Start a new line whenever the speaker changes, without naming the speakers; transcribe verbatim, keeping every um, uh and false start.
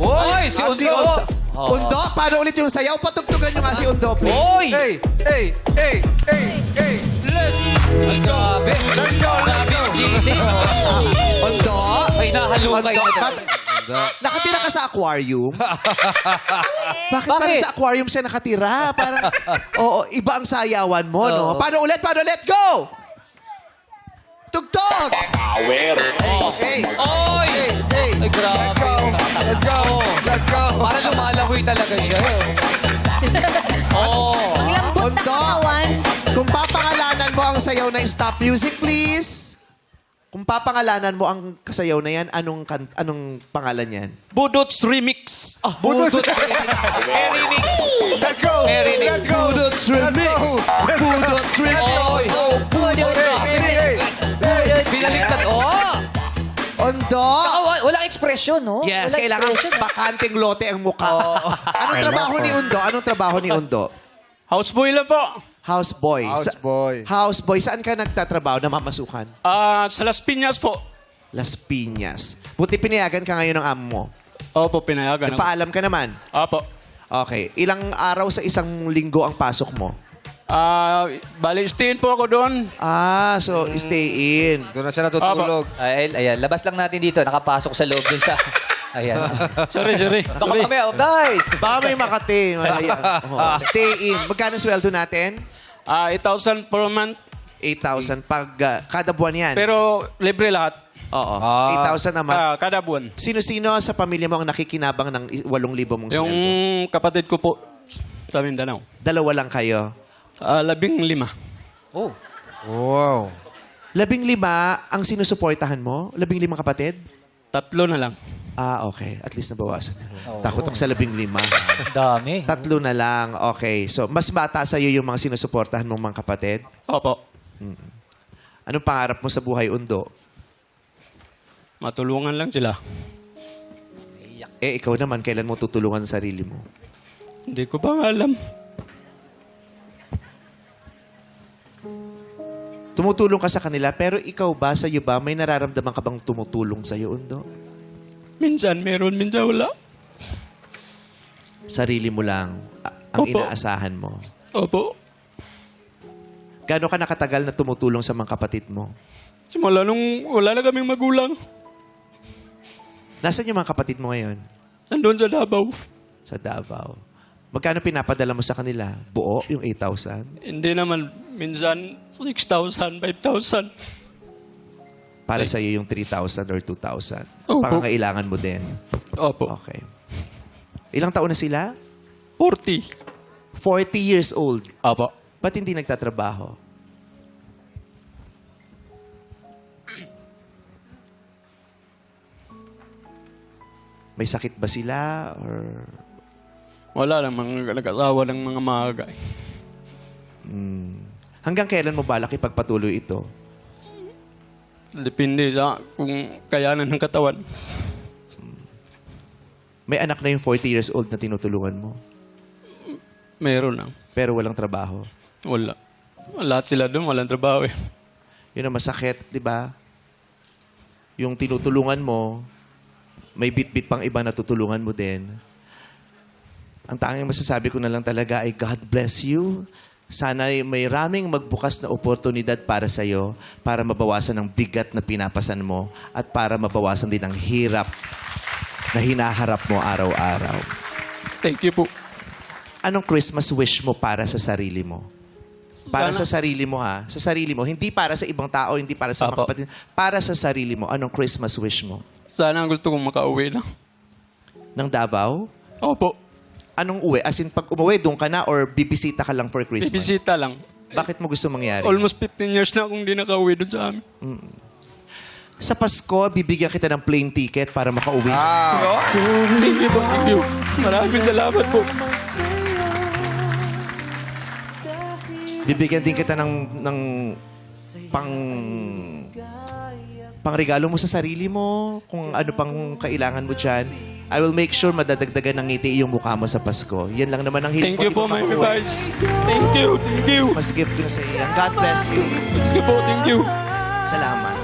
Oy, si
Ah,
Undo.
Undo.
Oo.
Undo, paano ulit yung sayaw? Patugtugan nyo nga si Undo, please.
Oy!
Hey, hey, hey, hey, hey. Let's,
Ang grabe.
let's go, let's go.
Gini.
Undo.
May nahalukay
Undo.
na talaga.
Ba't- Nakatira ka sa aquarium? Bakit, parang
Bakit?
sa aquarium siya nakatira? Parang, oo, iba ang sayawan mo, no?
Oo.
Paano ulit? Paano ulit? Go! Tugtog!
Power.
Hey,
Oy!
hey, hey.
Ay, grabe.
Let's go. Let's go. Let's go.
Para lumalangoy talaga siya. eh. Oh.
Ang lambot ng
Undo.
katawan.
Kung papangalanan mo ang sayaw na stop music, please. Kung papangalanan mo ang kasayaw na yan, anong kan anong pangalan yan?
Budots Remix.
Ah, Budot.
Very mix.
Let's go.
Very mix.
Let's go. Budot Remix. Budot Remix.
Oy.
Oh, Budot Remix.
Binaliktad. Oh!
Ondo.
Ah, wa- walang ekspresyon, no?
Yes,
Walang
kailangan
expression, ah.
bakanting lote ang mukha. Anong trabaho ni Undo? Anong trabaho ni Undo?
Houseboy lang po.
Houseboy.
Houseboy.
Sa- houseboy. Saan ka nagtatrabaho na mamasukan?
Ah, sa Las Piñas po.
Las Piñas. Buti pinayagan ka ngayon ng amo mo.
Opo, pinayagan ako.
Nagpaalam ka naman.
Opo.
Okay. Ilang araw sa isang linggo ang pasok mo?
Ah, bali, stayin po ako doon.
Ah, so stay in.
Doon na siya natutulog.
Ay, ayan, labas lang natin dito. Nakapasok sa loob dun sa... Ayan.
Sorry, sorry.
Baka
sorry.
kami, oh, guys!
Baka may Makati. Ayan. Oh, stay in. Magkano sweldo natin?
Ah, eight thousand per month.
eight thousand pag ah, kada buwan yan.
Pero libre lahat.
Oo.
Ah.
eight thousand naman.
Ah, kada buwan.
Sino-sino sa pamilya mo ang nakikinabang ng eight libo mong
Yung
sweldo?
kapatid ko po sa Mindanao.
Dalawa lang kayo.
Ah, labing lima.
Oh.
Wow.
Labing lima ang sinusuportahan mo? Labing limang kapatid?
Tatlo na lang.
Ah, okay. At least nabawasan. Takot ako sa labing lima.
Dami.
Tatlo na lang. Okay. So, mas bata sa'yo yung mga sinusuportahan mong mga kapatid?
Opo.
Anong pangarap mo sa buhay, Undo?
Matulungan lang sila.
Eh, ikaw naman, kailan mo tutulungan ang sarili mo?
Hindi ko pa alam.
Tumutulong ka sa kanila, pero ikaw ba, sa'yo ba, may nararamdaman ka bang tumutulong sa'yo, Undo?
Minsan meron, minsan wala.
Sarili mo lang a- ang
Opo.
inaasahan mo.
Opo.
Gaano ka nakatagal na tumutulong sa mga kapatid mo?
Simula nung wala na kaming magulang.
Nasaan yung mga kapatid mo ngayon?
Nandun sa Davao.
Sa Davao. Magkano pinapadala mo sa kanila? Buo, yung eight thousand?
Hindi naman, minsan six thousand, five thousand.
Para sa'yo yung three thousand or two thousand. So,
Opo.
pangangailangan mo din.
Opo.
Okay. Ilang taon na sila?
forty.
forty years old.
Opo.
Ba't hindi nagtatrabaho? May sakit ba sila? Or...
Wala lang mga nag-asawa ng mga maaga. eh.
Hanggang kailan mo balak ipagpatuloy ito?
Depende sa kung kayanan ng katawan.
May anak na yung forty years old na tinutulungan mo,
Meron lang.
pero walang trabaho.
Wala. Lahat sila doon, walang trabaho eh.
Yun ang masakit, di ba? Yung tinutulungan mo, may bit-bit pang iba na tutulungan mo din. Ang tanging masasabi ko na lang talaga ay God bless you. Sana may raming magbukas na oportunidad para sa'yo para mabawasan ang bigat na pinapasan mo at para mabawasan din ang hirap na hinaharap mo araw-araw.
Thank you po.
Anong Christmas wish mo para sa sarili mo? Para
Sana-
sa sarili mo ha? Sa sarili mo. Hindi para sa ibang tao, hindi para sa mga
Apo.
kapatid. Para sa sarili mo. Anong Christmas wish mo?
Sana gusto kong makauwi na.
Ng Davao?
Opo.
Anong uwi? As in, pag umuwi, doon ka na or bibisita ka lang for Christmas?
Bibisita lang.
Bakit mo gusto mangyari?
Almost fifteen years na akong di nakauwi doon sa amin.
Sa Pasko, bibigyan kita ng plane ticket para makauwi.
Thank you po, thank you. Maraming salamat po.
Bibigyan din kita ng, ng pang pang regalo mo sa sarili mo, kung ano pang kailangan mo dyan. I will make sure madadagdagan ng ngiti yung mukha mo sa Pasko. Yan lang naman ang hiling
Thank you
ko.
po,
Di
my
ba makauwi?
advice. Thank you, thank you.
Mas gift ko na sa iyo. God bless you.
Thank you po, thank you.
Salamat.